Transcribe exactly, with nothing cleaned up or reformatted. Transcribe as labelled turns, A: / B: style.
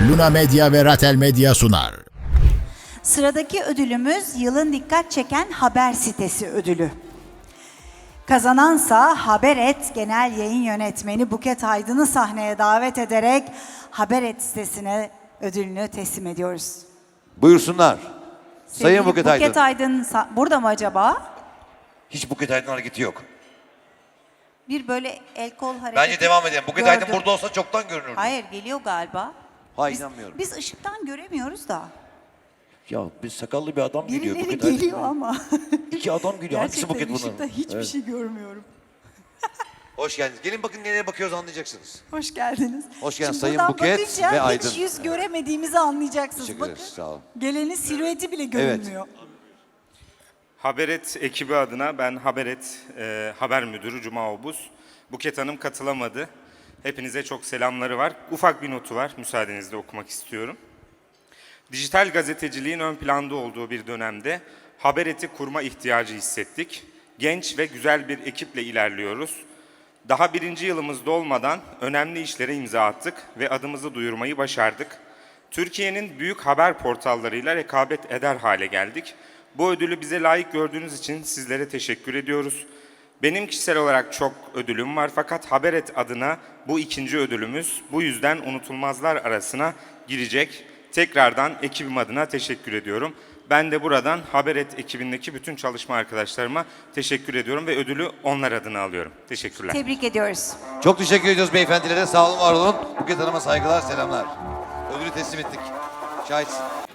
A: Luna Medya ve Ratel Medya sunar.
B: Sıradaki ödülümüz yılın dikkat çeken haber sitesi ödülü. Kazanansa Haberet Genel Yayın Yönetmeni Buket Aydın'ı sahneye davet ederek Haberet sitesine ödülünü teslim ediyoruz.
C: Buyursunlar. Sayın
B: Sevgili
C: Buket Aydın.
B: Buket Aydın sa- burada mı acaba?
C: Hiç Buket Aydın hareketi yok.
B: Bir böyle el kol hareketi
C: Bence devam edelim. Buket
B: gördüm.
C: Aydın burada olsa çoktan görünürdü.
B: Hayır, geliyor galiba.
C: Hayır,
B: Biz-
C: inanmıyorum.
B: Biz ışıktan göremiyoruz da.
C: Ya bir sakallı bir adam geliyor.
B: Birileri
C: Buket Aydın.
B: geliyor ama.
C: İki adam geliyor. Hangisi
B: Gerçekten
C: Buket bunun?
B: ışıkta hiçbir
C: Evet.
B: şey görmüyorum.
C: Hoş geldiniz. Gelin bakın nereye bakıyoruz anlayacaksınız.
B: Hoş geldiniz.
C: Hoş geldin
B: Şimdi
C: Sayın
B: buradan
C: Buket
B: bakınca
C: ve
B: hiç
C: Aydın.
B: yüz göremediğimizi anlayacaksınız.
C: Teşekkür
B: Bakın.
C: ederiz. Sağ olun.
B: Gelenin silüeti bile görünmüyor.
D: Haberet ekibi adına ben Haberet e, haber müdürü Cuma Obuz. Buket Hanım katılamadı. Hepinize çok selamları var. Ufak bir notu var. Müsaadenizle okumak istiyorum. Dijital gazeteciliğin ön planda olduğu bir dönemde Haberet'i kurma ihtiyacı hissettik. Genç ve güzel bir ekiple ilerliyoruz. Daha birinci yılımızda olmadan önemli işlere imza attık ve adımızı duyurmayı başardık. Türkiye'nin büyük haber portallarıyla rekabet eder hale geldik. Bu ödülü bize layık gördüğünüz için sizlere teşekkür ediyoruz. Benim kişisel olarak çok ödülüm var fakat Haberet adına bu ikinci ödülümüz. Bu yüzden unutulmazlar arasına girecek. Tekrardan ekibim adına teşekkür ediyorum. Ben de buradan Haberet ekibindeki bütün çalışma arkadaşlarıma teşekkür ediyorum ve ödülü onlar adına alıyorum. Teşekkürler.
B: Tebrik ediyoruz.
C: Çok teşekkür ediyoruz beyefendilere. Sağ olun, var olun. Buket Hanım'a saygılar, selamlar. Ödülü teslim ettik. Şahitsin.